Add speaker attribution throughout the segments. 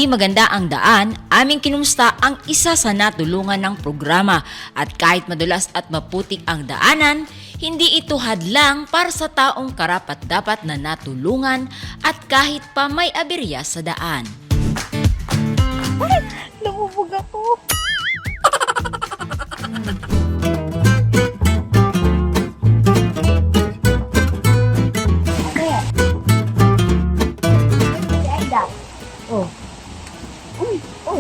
Speaker 1: hindi maganda ang daan, aming kinumusta ang isa sa natulungan ng programa at kahit madulas at maputik ang daanan, hindi ito hadlang para sa taong karapat-dapat na natulungan at kahit pa may aberya sa daan.
Speaker 2: Namubog ako. Si Aida. Oh. Uy, uy.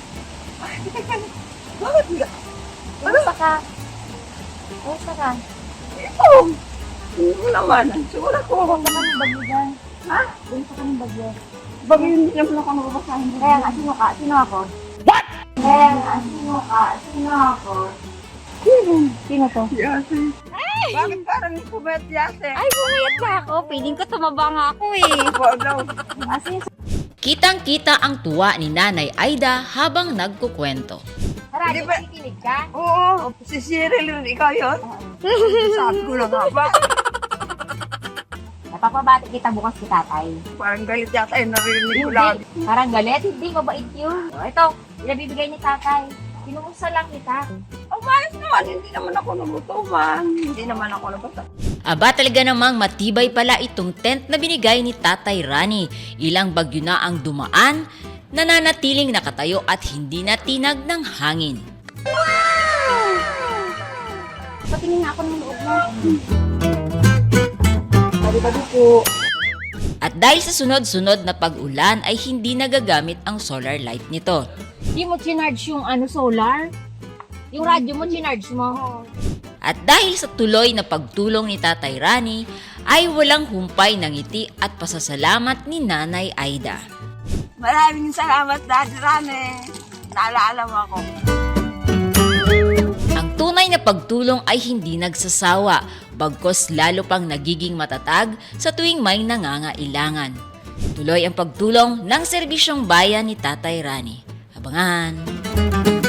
Speaker 3: Bakit nga?
Speaker 2: Kumusta ka? Kumusta ka?
Speaker 3: Ito. Hindi naman. Siguro ko.
Speaker 2: Kumusta ka ng bagyo dyan?
Speaker 3: Ha?
Speaker 2: Kumusta ka ng bagyo?
Speaker 3: Bagay hindi naman ako nababasahin.
Speaker 2: Kaya nga, sino ka? Sino ako? What? Kaya nga, sino ka? Sino ako? Sino to?
Speaker 3: Yase. Bakit parang kumet yase?
Speaker 2: Ay, bumayat ka ako. Piling ko tumaba nga ako eh.
Speaker 3: Ako daw.
Speaker 2: Asin,
Speaker 1: Kitang-kita ang tuwa ni Nanay Aida habang nagkukwento.
Speaker 2: tara,
Speaker 3: Hindi ba-
Speaker 2: nakikinig ka?
Speaker 3: Oo. Si Cyril yun. Ikaw yun? Sabi ko na nga ba?
Speaker 2: Napapabati kita bukas si tatay.
Speaker 3: Parang galit yata yung narinig ko lang.
Speaker 2: Parang galit, hindi, mabait yun. O, ito, pinabibigay ni tatay. Pinumusta lang kita.
Speaker 3: Umayos naman. Hindi naman ako nagutuman. Hindi naman ako nagutuman.
Speaker 1: Aba talaga namang matibay pala itong tent na binigay ni Tatay Rani. Ilang bagyo na ang dumaan, nananatiling nakatayo at hindi natinag ng hangin.
Speaker 2: Patingin nga ako ng loob mo. Bali-bali po.
Speaker 1: At dahil sa sunod-sunod na pag-ulan ay hindi nagagamit ang solar light nito.
Speaker 2: Hindi mo chinarge yung solar? Yung radyo mo, chinarge mo?
Speaker 1: At dahil sa tuloy na pagtulong ni Tatay Rani, ay walang humpay ng ngiti at pasasalamat ni Nanay Aida.
Speaker 3: Maraming salamat, Daddy Rane. Naalala mo ako.
Speaker 1: Ang tunay na pagtulong ay hindi nagsasawa, bagkos lalo pang nagiging matatag sa tuwing may nangangailangan. Tuloy ang pagtulong ng serbisyong bayan ni Tatay Rani. Abangan!